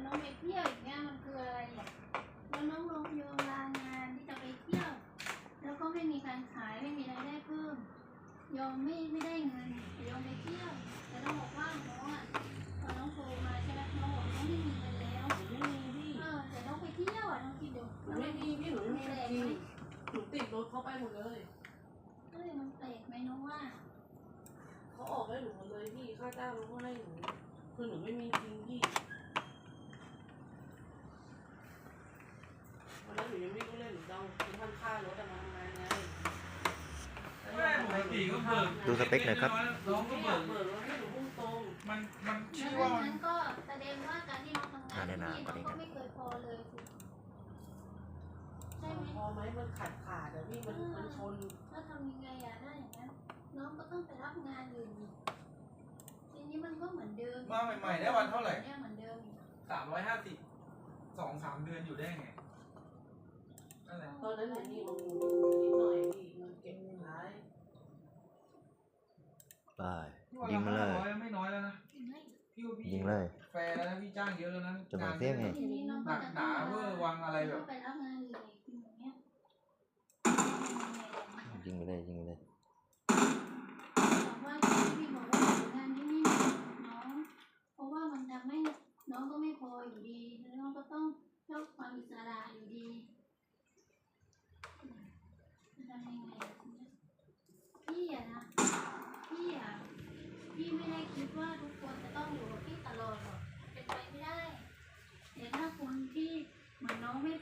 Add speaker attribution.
Speaker 1: องไปเที่ยวอย่างเงี้ยมันคืออะไรอ่ะแล้วน้องลงโยมลางานที่จะไปเที่ยวแล้วก็ไม่มีการขายไม่มีรายได้เพิ่มยอมไม่ได้เงินยอมไปเที่ยวแต่น้องบอกว่าน้องอ่ะพอน้องโทรมาใช่ไหมน้องบอกน้องไม่มีเงินแล้ว
Speaker 2: ไม่มีพี่
Speaker 1: แต่น้องไปเที่ยวอ่ะน้องคิดดู
Speaker 2: หนูไม่มีพี่หนูไม่มีจริงหนูติดรถเขาไปหมดเลย
Speaker 1: ก็เลยมันแปลกไหมน้องว่า
Speaker 2: เขาออกให้หนูหมดเลยพี่ค่าจ้างเขาก็ให้หนูคือหนูไม่มีจริงพี่วันนั้นหนูยังไม่รู้เลยหนูต้องคือท่านค่ารถมาทำงานไง
Speaker 3: ปกติก็เบิก
Speaker 4: ดูสเปคหน่อยครับ
Speaker 3: น้องก็
Speaker 2: ไม่อ
Speaker 3: เบิ
Speaker 2: ยาก กเบิกแล้วให้หนูพุ่งตรง
Speaker 3: มันชื่อ
Speaker 1: แล้ว
Speaker 3: ว่า
Speaker 1: นั้นก็แสดงว่าการที่น้องทำงานที่นี่น้องก็ไม่เคยพอเลยสิใช่ไหม
Speaker 2: พอไหมมันขาดแต่พี่มันชน
Speaker 1: ถ้าทำยังไงอะได้อย่างนั้นน้องก็ต้องไปรับงานอื่นทีนี้มันก็เหมือนเดิม
Speaker 3: มาใหม่ๆได้วันเท่าไหร่
Speaker 1: เนี่ยเหมือนเดิม
Speaker 3: 350 2-3 เดือนอยู่ได้ไงนั่นแหละ
Speaker 2: ตอนนั้นหนูมีลงนิดหน่อยพี่มันเก็บท้าย
Speaker 4: ไปยิงมาเลย
Speaker 3: ไม่น้อยแล้วนะพี่ว่าพี่
Speaker 4: ยิงเลย
Speaker 3: แฟร์แล้วนะพี่จ้างเยอะแล้วนะ
Speaker 4: จะเหมือนเฟี้ยงไง
Speaker 1: ทีนี้น้อง
Speaker 3: ห
Speaker 1: ก็
Speaker 3: นัก
Speaker 1: จะ
Speaker 3: หนาเวอร์วังอะไรแบบ
Speaker 1: ไปรับงานอื่นอีกทีอย่างเงี้ย
Speaker 4: ยิงไปเลยยิงไปเลย
Speaker 1: บอกว่าพี่บอกว่างานนี้ไม่น้องเพราะว่ามันทำให้น้องก็ไม่พออยู่ดีแล้วน้องก็ต้องชอบความอิสระอยู่ดีจะทำยังไงพี่อะนะพี่ไม่ได้คิดว่าทุกคนจะต้องอยู่กับพี่ตลอดหรอกเป็นไปไม่ได้แต่ถ้าคนที่เหมือนน้องไม่